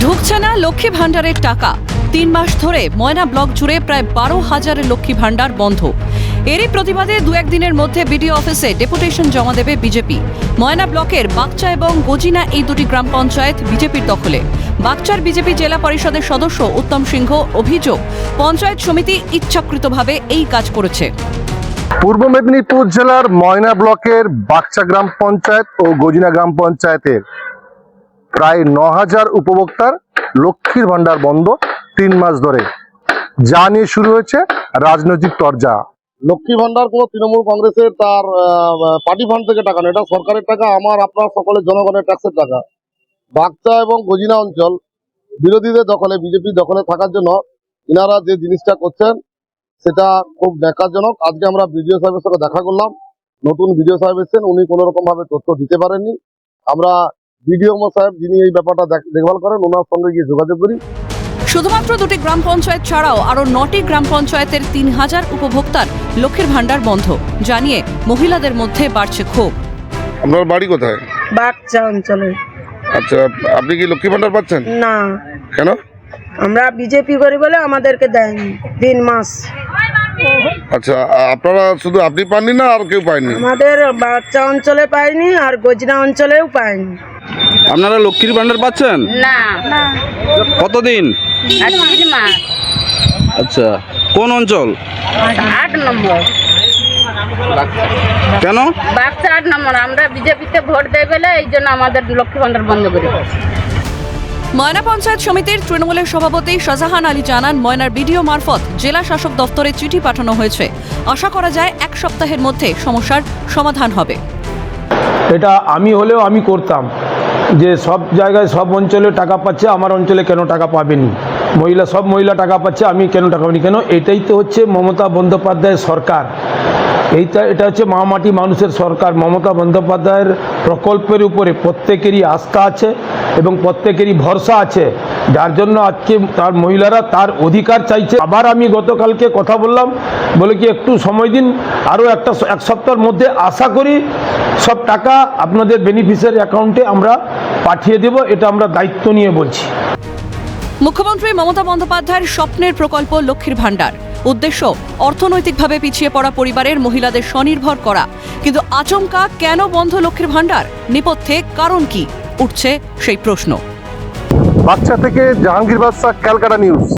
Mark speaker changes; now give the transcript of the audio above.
Speaker 1: ঢুকছে না লক্ষ্মী ভাণ্ডারের টাকা। ৩ মাস ধরে ময়না ব্লক জুড়ে প্রায় ১২,০০০ লক্ষ্মী ভাণ্ডার বন্ধ। এরই প্রতিবাদে ২-১ দিনের মধ্যে বিডিও অফিসে ডেপুটেশন জমা দেবে বিজেপি। ময়না ব্লকের বাগচা এবং গজিনা এই দুটি গ্রাম পঞ্চায়েত বিজেপির দখলে। বাগচার বিজেপি জেলা পরিষদের সদস্য উত্তম সিংহ অভিযোগ, পঞ্চায়েত সমিতি ইচ্ছাকৃতভাবে এই কাজ করেছে।
Speaker 2: পূর্ব মেদিনীপুর জেলার ময়না ব্লকের বাগচা গ্রাম পঞ্চায়েত ও গজিনা গ্রাম পঞ্চায়েতের প্রায় ৯,০০০ উপভোক্তার লক্ষ্মীর ভাণ্ডার বন্ধ ৩ মাস ধরে, যা নিয়ে শুরু হয়েছে রাজনৈতিক তরজা।
Speaker 3: লক্ষ্মী ভান্ডার কোনো তৃণমূল কংগ্রেসের তার পার্টি ফান্ড থেকে টাকা না, এটা সরকারের টাকা, আমার আপনার সকলের জনগণের ট্যাক্সের টাকা। বাগচা এবং গজিনা অঞ্চল বিরোধীদের দখলে, বিজেপির দখলে থাকার জন্য ইনারা যে জিনিসটা করছেন সেটা খুব ন্যাক্কারজনক। আজকে আমরা বিডিও সাহেবের সঙ্গে দেখা করলাম, নতুন বিডিও সাহেব এসেছেন, উনি কোনো রকম ভাবে তথ্য দিতে পারেননি। আমরা বিডিও সাহেব যিনি এই ব্যাপারটা দেখভাল করেন ওনার সঙ্গে গিয়ে যোগাযোগ করি।
Speaker 1: শুধুমাত্র 2টি গ্রাম পঞ্চায়েত ছাড়াও আরও 9টি গ্রাম পঞ্চায়েতের ৩,০০০ উপভোক্তার লক্ষ্মীর ভাণ্ডার বন্ধ, জানিয়ে মহিলাদের মধ্যে বাড়ছে ক্ষোভ।
Speaker 3: আপনার বাড়ি কোথায়?
Speaker 4: বাগচা অঞ্চলে।
Speaker 3: আচ্ছা, আপনি কি লক্ষ্মী ভান্ডার পাচ্ছেন?
Speaker 4: না,
Speaker 3: কেন?
Speaker 4: আমরা বিজেপি করি বলে আমাদেরকে দেয়নি 3 মাস।
Speaker 3: আচ্ছা, আপনারা শুধু আপনি পাননি না আর কেউ পায়নি?
Speaker 4: আমাদের বাগচা অঞ্চলে পাইনি আর গজনা অঞ্চলেও পাইনি।
Speaker 5: আপনারা লক্ষ্মীর ভান্ডার পাচ্ছেন?
Speaker 6: না,
Speaker 5: কতদিন?
Speaker 6: 3 মাস।
Speaker 5: আচ্ছা, কোন অঞ্চল?
Speaker 6: 8 নম্বর।
Speaker 5: কেন?
Speaker 6: বাগচা 8 নম্বর। আমরা বিজেপিতে ভোট দেই বলে এই জন্য আমাদের লক্ষ্মী ভান্ডার বন্ধ করে দিয়েছে।
Speaker 1: ময়না পঞ্চায়েত সমিতির তৃণমূলের সভাপতি শাহজাহান আলী জানান, ময়নার বিডিও মারফত জেলা শাসক দফতরে চিঠি পাঠানো হয়েছে। আশা করা যায় 1 সপ্তাহের মধ্যে সমস্যার সমাধান হবে।
Speaker 7: এটা আমি হলেও আমি করতাম, যে সব জায়গায় সব অঞ্চলে টাকা পাচ্ছে, আমার অঞ্চলে কেন টাকা পাবেনি? সব মহিলা টাকা পাচ্ছে, আমি কেন টাকা পাইনি কেন? এটাই তো হচ্ছে মমতা বন্দ্যোপাধ্যায়ের সরকার। এটা হচ্ছে মাটি মানুষের সরকার। মমতা বন্দ্যোপাধ্যায়ের প্রকল্পের উপরে প্রত্যেকেরই আস্থা আছে এবং প্রত্যেকেরই ভরসা আছে, যার জন্য আজকে তার মহিলারা তার অধিকার চাইছে। আবার আমি গতকালকে কথা বললাম, বলে কি একটু সময় দিন, আরও এক সপ্তাহের মধ্যে আশা করি সব টাকা আপনাদের বেনিফিশিয়ারি অ্যাকাউন্টে আমরা পাঠিয়ে দেব। এটা আমরা দায়িত্ব নিয়ে বলছি।
Speaker 1: মুখ্যমন্ত্রী মমতা বন্দ্যোপাধ্যায়ের স্বপ্নের প্রকল্প লক্ষ্মীর ভাণ্ডার। উদ্দেশ্য অর্থনৈতিকভাবে পিছিয়ে পড়া পরিবারের মহিলাদের স্বনির্ভর করা। কিন্তু আচমকা কেন বন্ধ লক্ষ্মীর ভাণ্ডার? নেপথ্যে কারণ কি? উঠছে সেই প্রশ্ন।
Speaker 2: বাগচা থেকে জাহাঙ্গীর বাদশা, ক্যালকাটা নিউজ।